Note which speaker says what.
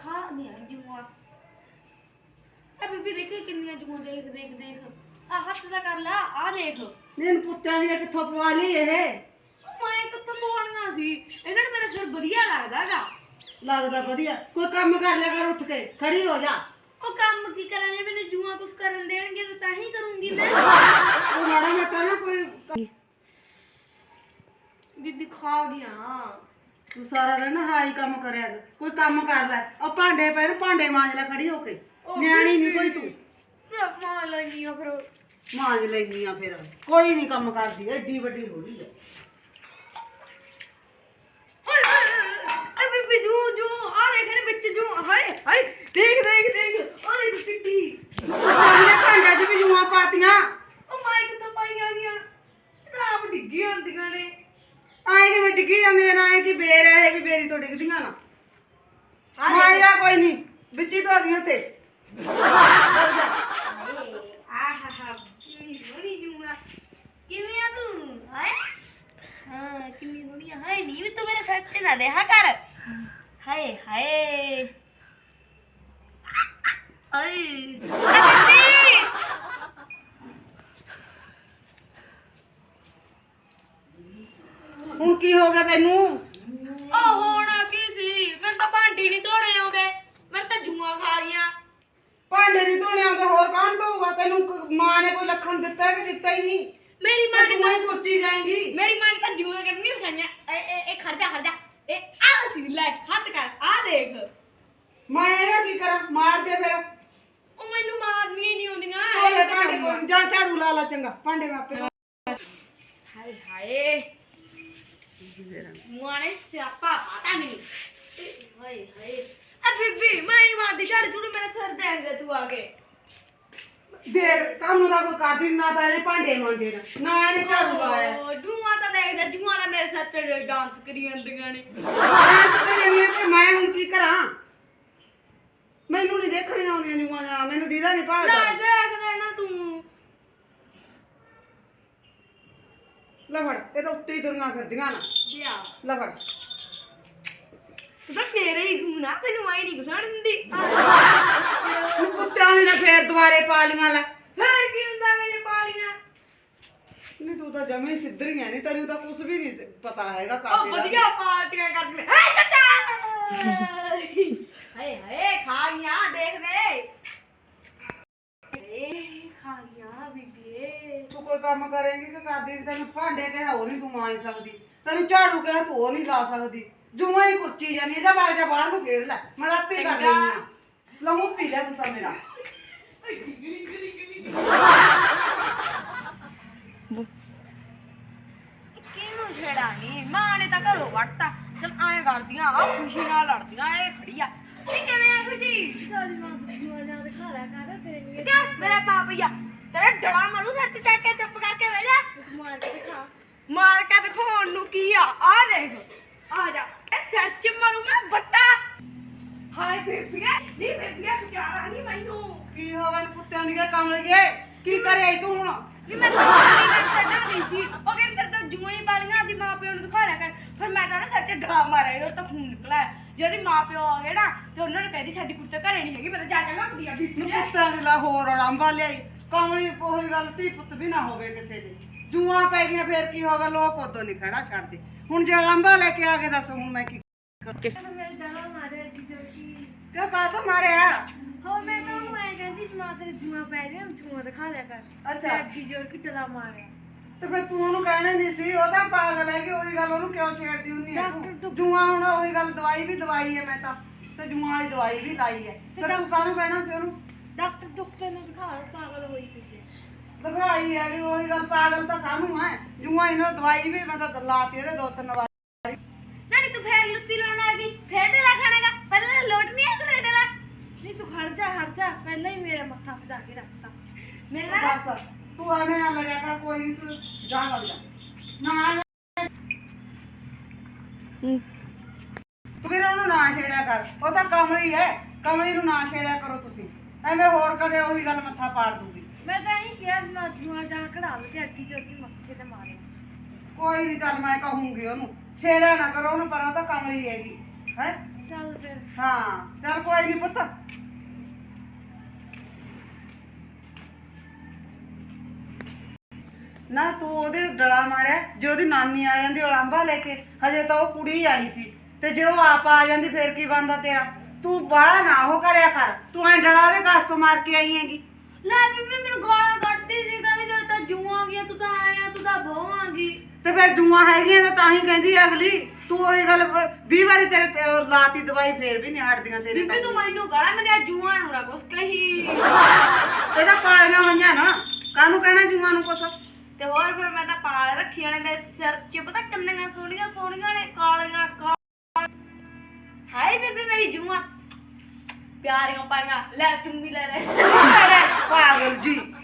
Speaker 1: खा दिया जुआ बीबी देखी किन्नियां जुआ देख देख देख आ हथ दा कर ला आ देख
Speaker 2: नीन पुੱਤਾਂ ਦੀਆਂ ਕਿੱਥੋਂ ਪਵਾ ਲਈ ਇਹ
Speaker 1: मैं कित्थों पवाणियां सी इन्हां ने मेरा सिर बढ़िया लगदागा
Speaker 2: ਲੱਗਦਾ ਵਧੀਆ ਕੋਈ ਕੰਮ ਕਰ ਲਿਆ ਕਰ ਉੱਠ ਕੇ ਖੜੀ ਹੋ ਜਾ
Speaker 1: ओ काम की करा जे मैंने जुआ कुछ करन देणगे तो ताही करूंगी मैं
Speaker 2: ਉਹ ਮਾੜਾ ਮੋਟਾ ਨਾ ਕੋਈ
Speaker 1: बीबी खा गया
Speaker 2: ਤੂੰ ਸਾਰਾ ਦਿਨ ਹਾਈ ਕੰਮ ਕਰਿਆ ਕਰ ਕੋਈ ਕੰਮ ਕਰ ਲੈ ਉਹ ਭਾਂਡੇ ਪਏ ਨੇ ਭਾਂਡੇ ਮਾਂਜ ਲੈ ਖੜੀ ਹੋ ਕੇ ਨਿਆਣੀ ਨਹੀਂ ਕੋਈ ਤੂੰ
Speaker 1: मैं मां लगी फिर
Speaker 2: ਮਾਂਜ ਲੈਨੀ ਆ ਫਿਰ ਕੋਈ ਨਹੀਂ ਕੰਮ ਕਰਦੀ ਐਡੀ ਵੱਡੀ ਹੋ ਰਹੀ ਹੈ
Speaker 1: अबे बिजू जो आ देख ने बच्चे जो हाय हाय देख देख देख ओए पिट्टी
Speaker 2: ਸਾਰੀਆਂ ਭਾਂਡਿਆਂ 'ਚ ਵੀ ਜੂਆਂ ਪਾਤੀਆਂ
Speaker 1: ओ माइक तो पाई आ गया राम डिग्गी आंदियां ने
Speaker 2: ਆਏ ਕਿ ਡਿੱਗੀ ਜਾਂਦੇ ਨਾ ਆਏ ਕਿ ਬੇਰ ਇਹ ਵੀ ਬੇਰੀ ਤੋਂ ਡਿੱਗਦੀਆਂ ਨਾ ਮਾਇਆ ਕੋਈ ਨਹੀਂ ਵਿੱਚੀ ਧੋ ਦੀਆਂ ਉੱਥੇ
Speaker 1: आहा कितनी बड़ी जुआ किਵੇਂ ਆ ਤੂੰ ਹਾਏ ਹਾਂ ਕਿੰਨੀ ਦੁਨੀਆ ਹਾਏ ਨੀ ਵੀ ਤੂੰ ਮੇਰੇ ਸੱਚ ਨਾ ਰਿਹਾ ਕਰ ਹਾਏ ਹਾਏ ਹਾਏ
Speaker 2: ਹੁਣ ਕੀ ਹੋ ਗਿਆ ਤੈਨੂੰ
Speaker 1: ਉਹ ਹੋਣਾ ਕੀ ਸੀ ਮੈਨੂੰ ਤਾਂ ਭਾਂਡੇ ਨਹੀਂ ਧੋਣੇ ਆਉਂਦੇ ਮੈਂ ਤਾਂ ਜੂਆਂ ਖਾ ਗਈਆਂ
Speaker 2: ਭਾਂਡੇ ਨਹੀਂ ਧੋਣੇ ਆਉਂਦੇ ਹੋਰ ਕੌਣ ਧੋਊਗਾ ਤੈਨੂੰ ਮਾਂ ਨੇ ਕੋਈ ਲੱਖਣ ਦਿੱਤਾ ਕਿ ਦਿੱਤਾ ਹੀ ਨਹੀਂ
Speaker 1: ਮੇਰੀ ਮਾਂ ਨੇ
Speaker 2: ਤੂੰ ਹੀ ਕੁਰਸੀ ਜਾਏਂਗੀ
Speaker 1: ਮੇਰੀ ਮਾਂ ਨੇ ਤਾਂ ਜੂਆਂ ਕਰਨੀਆਂ ਸਿਖਾਈਆਂ ਇਹ ਖੜ ਜਾ ਇਹ ਆ ਸੀ ਲੈ ਹੱਥ ਕਰ ਆ ਦੇਖ
Speaker 2: ਮੈਂ ਇਹਦਾ ਕੀ ਕਰਾਂ ਮਾਰ ਦੇ ਫਿਰ
Speaker 1: ਉਹ ਮੈਨੂੰ ਮਾਰਨੀਆਂ ਹੀ ਨਹੀਂ ਆਉਂਦੀਆਂ
Speaker 2: ਉਹਦੇ ਭਾਂਡੇ ਕੋਲ ਜਾ ਝਾੜੂ ਲਾ ਲਾ ਚੰਗਾ ਭਾਂਡੇ ਮਾਪੇ
Speaker 1: ਹਾਏ ਹਾਏ ਮੁਆਣੇ ਸਿਆਪਾ ਪਤਾ ਨਹੀਂ ਹਾਏ ਹਾਏ ਆ ਬੀਬੀ ਮੈਂ ਨਹੀਂ ਮਾਰਦੀ ਝਾੜੂ ਝੂੜੂ ਮੇਰਾ ਸਿਰ ਦੇਖ ਦੇ ਤੂੰ ਆ ਕੇ
Speaker 2: ਦੇਰ ਕੰਮ ਦਾ ਕੋਈ ਕਾਦੀ ਨਾ ਤਾਂ ਇਹਨੇ ਭਾਂਡੇ ਮਾਂਜੇ ਨਾ ਇਹਨੇ ਝਾੜੂ ਲਾਇਆ
Speaker 1: ਓ ਜੂਆਂ ਤਾਂ ਦੇਖ ਲੈ ਜੂਆਂ ਨਾਲ ਮੇਰੇ ਸਿਰ ਤੇ ਡਾਂਸ ਕਰੀ ਜਾਂਦੀਆਂ ਨੇ
Speaker 2: ਮੈਂ ਹੁਣ ਕੀ ਕਰਾਂ ਮੈਨੂੰ ਨਹੀਂ ਦੇਖਣੀਆਂ ਆਉਂਦੀਆਂ ਜੂਆਂ ਜਾਂ ਮੈਨੂੰ ਦੀਦਾ ਨਹੀਂ ਭਾਲਦਾ
Speaker 1: ਲੈ ਦੇਖ ਦੇ ਨਾ ਤੂੰ
Speaker 2: ਲੈ ਫੜ ਇਹ ਤਾਂ ਉੱਤੇ ਹੀ ਦੁਨੀਆਂ ਫਿਰਦੀਆਂ ਨਾ
Speaker 1: ਲਿਆ
Speaker 2: ਲੈ ਫੜ
Speaker 1: ਤੂੰ ਤਾਂ ਮੇਰੇ ਹੀ ਗੁਨਾ ਤੈਨੂੰ ਆਈ ਨਹੀਂ ਗੁਸਾਣ ਦਿੰਦੀ
Speaker 2: ਕੁੱਤਿਆਂ ਨੇ ਫੇਰ ਦੁਬਾਰੇ ਪਾ ਲੀਆਂ ਲੈ
Speaker 1: ਫੇਰ ਕੀ ਹੁੰਦਾ ਮੇਰੇ ਪਾਲੀਆਂ
Speaker 2: ਨਹੀਂ ਤੂੰ ਤਾਂ ਜਮੇ ਸਿੱਧਰੀਆਂ ਨਹੀਂ ਤੈਨੂੰ ਤਾਂ ਕੁਝ ਵੀ ਨਹੀਂ ਪਤਾ ਹੈਗਾ
Speaker 1: ਉਹ
Speaker 2: ਕਾਸੇ ਦਾ
Speaker 1: ਵਧੀਆ ਪਾਰਟੀਆਂ ਕਰਦੀਆਂ ਹਾਏ ਚਾਚਾ ਹਾਏ ਹਾਏ ਖਾ ਗਿਆ ਦੇਖ ਦੇ ਏ ਖਾ ਗਿਆ ਬੀਬੀਏ
Speaker 2: ਤੂੰ ਕੋਈ ਕੰਮ ਕਰੇਂਗੀ ਕਿ ਕਰਦੀ ਤੈਨੂੰ ਭਾਂਡੇ ਕਿਹਾ ਉਹ ਨਹੀਂ ਤੂੰ ਮਾਂਜ ਸਕਦੀ ਤੈਨੂੰ ਝਾੜੂ ਕਿਹਾ ਤੂੰ ਉਹ ਨਹੀਂ ਲਾ ਸਕਦੀ ਜੂਆਂ ਹੀ ਕੁਰਚੀ ਜਾਨੀ ਜਾ ਬਾਗ ਜਾ ਬਾਹਰ ਨੂੰ ਖੇਡ ਲੈ ਮੈਂ ਆਪੇ ਕਰ ਲੈਂਦੀ ਆ ਲਹੂ ਪੀ ਲੈ ਤੂੰ ਤਾਂ ਮੇਰਾ
Speaker 1: ਕਿਹਨੂੰ ਛੇੜਾਣੀ ਮਾਂ ਨੇ ਤਾਂ ਘਰੋਂ ਵੜਤਾ ਚਲ ਐਂ ਕਰਦੀਆਂ ਆ ਖੁਸ਼ੀ ਨਾਲ ਲੜਦੀਆਂ ਇਹ ਖੜੀ ਆ ਇਹ ਕਿਵੇਂ ਆ ਖੁਸ਼ੀ ਸਾਡੀ ਮਾਂ ਖੁਸ਼ੀ ਨਾਲ ਜਾ ਦਿਖਾ ਲੈ ਕਰ ਤੇਰੇ ਕਿਉਂ ਮੇਰਾ ਪਾਪਈਆ ਤੇਰਾ ਡੜਾ ਮਾਰੂ ਸੱਤ ਚੱਕ ਕੇ ਚੁੱਪ ਕਰਕੇ ਬਹਿ ਜਾ ਮਾਰ ਕੇ ਦਿਖਾ ਮਾਰ ਕੇ ਦਿਖਾਉਣ ਨੂੰ ਕੀ ਆ ਦੇਖ ਆ ਜਾ ਇਹ ਸਿਰ ਚ ਮਾਰੂ ਮੈਂ ਬੱਟਾ ਹਾਏ ਬੇਬੀਆ ਨਹੀਂ ਬੇਬੀਆ ਵਿਚਾਰਾ ਨਹੀਂ ਮੈਨੂੰ
Speaker 2: ਕੀ ਹੋ ਗਿਆ ਕੁੱਤਿਆਂ ਦੀਆਂ ਕਮਲੀਏ ਕੀ ਕਰਿਆ ਤੂੰ ਹੁਣ
Speaker 1: ਵੀ ਮੈਂ ਤਾਂ ਛੱਡਣਾ ਨਹੀਂ ਸੀ ਉਹ ਕਹਿੰਦੇ ਤੇਰੇ ਤਾਂ ਜੂਆਂ ਹੀ ਬਾਲੀਆਂ ਦੀ ਮਾਂ ਪਿਓ ਨੂੰ ਦਿਖਾ ਲਿਆ ਕਰ ਫਿਰ ਮੈਂ ਤਾਂ ਨਾ ਸਿਰ ਚ ਡਰਾ ਮਾਰਿਆ ਉਹ ਤਾਂ ਖੂਨ ਨਿਕਲਿਆ ਜੇ ਉਹਦੀ ਮਾਂ ਪਿਓ ਆ ਗਏ ਨਾ ਤੇ ਉਹਨਾਂ ਨੂੰ ਕਹਿੰਦੀ ਸਾਡੀ ਕੁੜੀ ਤਾਂ ਘਰੇ ਨਹੀਂ ਹੈਗੀ ਮੈਂ ਤਾਂ ਜਾ ਕੇ ਲੱਭਦੀ ਆ ਬੀਬੀ
Speaker 2: ਕੁੱਤਿਆਂ ਦੇ ਲਾ ਹੋਰ ਅਲੰਬਾ ਲਿਆਈ ਕਮਲੀ ਉਹੀ ਗੱਲ ਧੀ ਪੁੱਤ ਵੀ ਨਾ ਹੋਵੇ ਕਿਸੇ ਦੇ ਜੂਆਂ ਪੈ ਗਈਆਂ ਫੇਰ ਕੀ ਹੋਗਾ ਲੋਕ ਉਦੋਂ ਨਹੀਂ ਖੜਾ ਛੱਡਦੇ ਹੁਣ ਜੇ ਅਲੰਬਾ ਲੈ ਕੇ ਆ ਕੇ ਦੱਸ ਹੁਣ ਮੈਂ ਕੀ
Speaker 1: ਮੇਰੇ ਡਰਾ ਮਾਰਿਆ ਜੀ ਜੋਗੀ
Speaker 2: ਕਿਉਂ ਕਾਹਤੋਂ ਮਾਰਿਆ
Speaker 1: ਹੋ ਮੈਂ ਤਾਂ ਉਹ ਐ ਕਹਿੰਦੀ ਮਾਂ ਤੇਰੇ ਜੂਆਂ ਪੈ ਰਹੀਆਂ ਜੂਆਂ ਦਿਖਾ ਲਿਆ ਕਰ
Speaker 2: ਅੱਛਾ
Speaker 1: ਅੱਗੀ ਜੋਰ ਕੀ ਡਰਾ ਮਾਰਿਆ
Speaker 2: ਤੇ ਫਿਰ ਤੂੰ ਉਹਨੂੰ ਕਹਿਣਾ ਨਹੀਂ ਸੀ ਉਹ ਤਾਂ ਪਾਗਲ ਹੈ ਕਿ ਉਹੀ ਗੱਲ ਉਹਨੂੰ ਕਿਉਂ ਛੇੜਦੀ ਹੁੰਨੀ ਹੈ ਤੂੰ ਜੂਆਂ ਹੁਣ ਉਹੀ ਗੱਲ ਦਵਾਈ ਵੀ ਦਵਾਈ ਹੈ ਮੈਂ ਤਾਂ ਤੇ ਜੂਆਂ ਵਾਲੀ ਦਵਾਈ ਵੀ ਲਾਈ ਹੈ ਫਿਰ ਤੂੰ ਕਾਹਨੂੰ ਕਹਿਣਾ ਸੀ ਉਹਨੂੰ
Speaker 1: ਡਾਕਟਰ ਨੂੰ ਦਿਖਾ ਪਾਗਲ ਹੋਈ ਪਈ
Speaker 2: ਦਵਾਈ ਹੈ ਵੀ ਉਹੀ ਗੱਲ ਪਾਗਲ ਤਾਂ ਕਾਹਨੂੰ ਹੈ ਜੂਆਂ ਇਹਨਾਂ ਦਵਾਈ ਵੀ ਮੈਂ ਤਾਂ ਲਾਤੀ ਇਹਦੇ 2-3 ਵਾਰ
Speaker 1: ਨਾਨੀ ਤੂੰ ਫੇਰ ਲੁੱਤੀ ਲਾਉਣ ਆ ਗਈ ਫੇਰ ਡਲਾ ਖਾਣਾਗਾ ਪਹਿਲਾਂ ਲੋਟ ਨਹੀਂ ਆ ਤੂੰ ਡਲਾ ਨਹੀਂ ਤੂੰ ਖੜ ਜਾ ਪਹਿਲਾਂ ਹੀ ਮੇਰਾ ਮੱਥਾ ਫਜਾ ਕੇ ਰੱਖਤਾ ਮੇਰਾ
Speaker 2: ਬਸ ਤੂੰ ਐਵੇਂ ਨਾ ਲੜਿਆ ਕਰ ਕੋਈ ਨਹੀਂ ਤੂੰ ਜਾ ਵਗ ਜਾ ਨਾ ਫਿਰ ਉਹਨੂੰ ਨਾ ਛੇੜਿਆ ਕਰ ਉਹ ਤਾਂ ਕਮਲੀ ਹੈ ਕਮਲੀ ਨੂੰ ਨਾ ਛੇੜਿਆ ਕਰੋ ਤੁਸੀਂ ਐਵੇਂ ਹੋਰ ਕਦੇ ਉਹੀ ਗੱਲ ਮੱਥਾ ਪਾੜ ਦੂਗੀ
Speaker 1: ਮੈਂ ਤਾਂ ਹੀ ਕਿਹਾ ਨਾ ਜੂਆ ਜਾ ਕਢਾ ਲਓ ਤੇ ਅੱਗੀ ਚੋਕੀ ਮੱਥੇ ਤੇ ਮਾਰੇ
Speaker 2: ਕੋਈ ਨਹੀਂ ਚੱਲ ਮੈਂ ਕਹੂੰਗੀ ਉਹਨੂੰ ਛੇੜਿਆ ਨਾ ਕਰੋ ਉਹਨੂੰ ਪਰ ਉਹ ਤਾਂ ਕਮਲੀ ਹੈਗੀ ਹੈ
Speaker 1: ਚੱਲ ਫਿਰ
Speaker 2: ਹਾਂ ਚੱਲ ਕੋਈ ਨਹੀਂ ਪੁੱਤ। ਨਾ ਤੂੰ ਉਹਦੇ ਡਲਾ ਮਾਰਿਆ, ਜੇ ਉਹਦੀ ਨਾਨੀ ਆ ਜਾਂਦੀ ਉਲਾਂਭਾ ਲੈ ਕੇ, ਹਜੇ ਤਾਂ ਉਹ ਕੁੜੀ ਆਈ ਸੀ, ਤੇ ਜੇ ਉਹ ਆਪ ਆ ਜਾਂਦੀ ਫੇਰ ਕੀ ਬਣਦਾ ਤੇਰਾ? ਤੂੰ ਬਾਹਲਾ ਨਾ ਉਹ ਕਰਿਆ ਕਰ, ਤੂੰ ਐ ਡਲਾ ਉਹਦੇ ਘਰ ਤੋਂ ਮਾਰ ਕੇ ਆਈ ਹੈਗੀ।
Speaker 1: ਲੈ ਬੀਬੀ ਮੈਨੂੰ ਗਾਲਾਂ ਕੱਢਦੀ ਸੀ, ਕਹਿੰਦੀ ਜਦ ਤਾਂ ਜੂਆਂ ਆ ਗਈਆਂ ਤੂੰ ਤਾਂ ਆਇਆ ਤੂੰ ਤਾਂ ਬਹੁ ਆ ਗਈ।
Speaker 2: ਤੇ ਫਿਰ ਜੂਆਂ ਹੈਗੀਆਂ ਤਾਂ ਹੀ ਕਹਿੰਦੀ ਆ ਅਗਲੀ। ਤੂੰ ਉਹੀ ਗੱਲ 20 ਵਾਰੀ ਤੇਰੇ ਤੇ ਉਹ ਲਾਤੀ ਦਵਾਈ ਫੇਰ ਵੀ ਨਹੀਂ ਹਟਦੀਆਂ ਤੇਰੇ।
Speaker 1: ਬੀਬੀ ਤੂੰ ਮੈਨੂੰ ਗਾਲਾਂ ਮੇਰੇ ਜੂਆਂ ਨੂੰ ਨਾ ਕੁਛ ਕਹੀ।
Speaker 2: ਇਹਦਾ ਪਾਲੀਆਂ ਹੋਈਆਂ ਨਾ, ਕਾਹਨੂੰ ਕਹਿਣਾ ਜੂਆਂ ਨੂੰ ਕੁਛ?
Speaker 1: ਤੇ ਹੋਰ ਫਿਰ ਮੈਂ ਤਾਂ ਪਾਲ ਰੱਖੀਆਂ ਨੇ ਮੇਰੇ ਸਿਰ 'ਚ, ਪਤਾ ਕਿੰਨੀਆਂ ਸੋਹਣੀਆਂ ਸੋਹਣੀਆਂ ਨੇ, ਕਾਲੀਆਂ ਹਾਏ ਬੀਬੀ ਮੇਰੀ ਜੂਆਂ ਪਿਆਰੀਆਂ ਪਾਈਆਂ। ਲੈ ਤੂੰ ਵੀ ਲੈ ਲੈ
Speaker 2: ਪਾਗਲ ਜੀ।